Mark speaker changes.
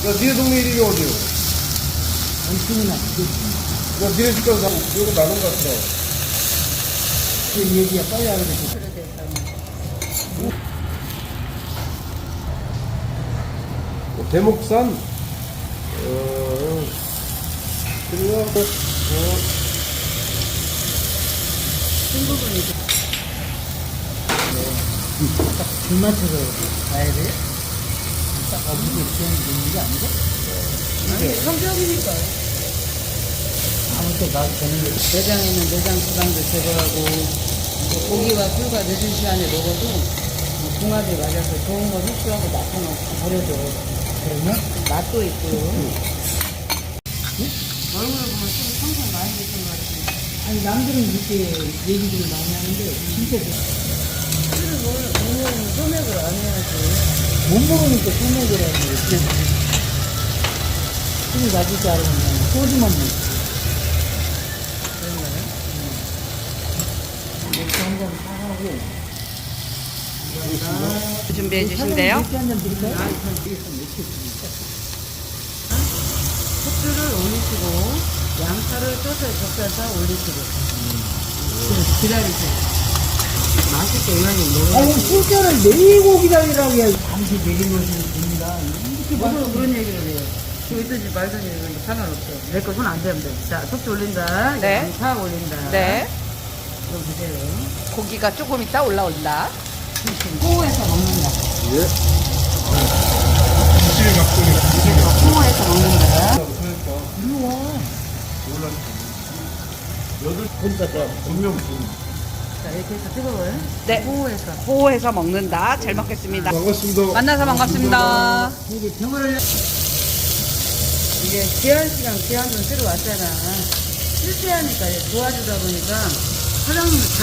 Speaker 1: 야, 니네 동네 이름이 어디요?
Speaker 2: 당신이나
Speaker 1: 야, 니네 집까지 이거 나눈 것 같아.
Speaker 2: 그 얘기가 빨리 하게 되고.
Speaker 1: 대목산, 그리고,
Speaker 2: 큰 부분이 딱 불맞춰서 가야 돼? 딱 어디서 있는 게 아니고?
Speaker 3: 아니, 성격이니까.
Speaker 2: 아무튼 나도 되는 게.
Speaker 3: 내장에는 내장 지방도 제거하고, 뭐 고기와 술과 늦은 시간에 먹어도 뭐 궁합이 맞아서 좋은 거 흡수하고 나쁜 거 버려줘.
Speaker 2: 그러면?
Speaker 3: 맛도 있고요. 얼굴을 보면 좀 평생 많이 드신 것 같아요.
Speaker 2: 아니, 남들은 이렇게 얘기들을 많이 하는데, 진짜
Speaker 3: 술을 먹으면 소맥을 안 해야지.
Speaker 2: 못 먹으니까 소맥을 하는 거지. 술이 낮을 줄 알으면 그냥 소주만 먹지.
Speaker 3: 그런가요?
Speaker 2: 맥주 한잔 사가고.
Speaker 3: 준비해 주신대요.
Speaker 2: 맥주 한잔 드릴까요?
Speaker 3: 숙주를 올리시고, 양파를 쪄서 젓갈사 올리시고. 기다리세요. 맛있게 이만큼 먹어요.
Speaker 2: 아니, 술잔을 내고 기다리라고 해야 잠시 내리면서 됩니다. 이렇게
Speaker 3: 뭐로 그런 얘기를 해요. 저 있든지 말든지 이런 거 상관없어. 내 거 손 안 대면 돼. 자, 숙주 올린다.
Speaker 4: 네.
Speaker 3: 양파 올린다.
Speaker 4: 네.
Speaker 3: 이거 보세요.
Speaker 4: 고기가 조금 있다 올라온다.
Speaker 3: 호에서 먹는다.
Speaker 1: 예. 지질 각도니.
Speaker 3: 호에서 먹는다.
Speaker 2: 이리 와.
Speaker 1: 여덟 번째 분명
Speaker 3: 자, 이렇게 해서 뜨거워요.
Speaker 4: 네.
Speaker 3: 호에서.
Speaker 4: 호해서 먹는다. 잘 먹겠습니다.
Speaker 1: 반갑습니다.
Speaker 4: 만나서 반갑습니다.
Speaker 2: 이게 병원을
Speaker 3: 이게 귀한 시간, 귀한 돈 쓰러 왔잖아. 실패하니까 도와주다 보니까 사장님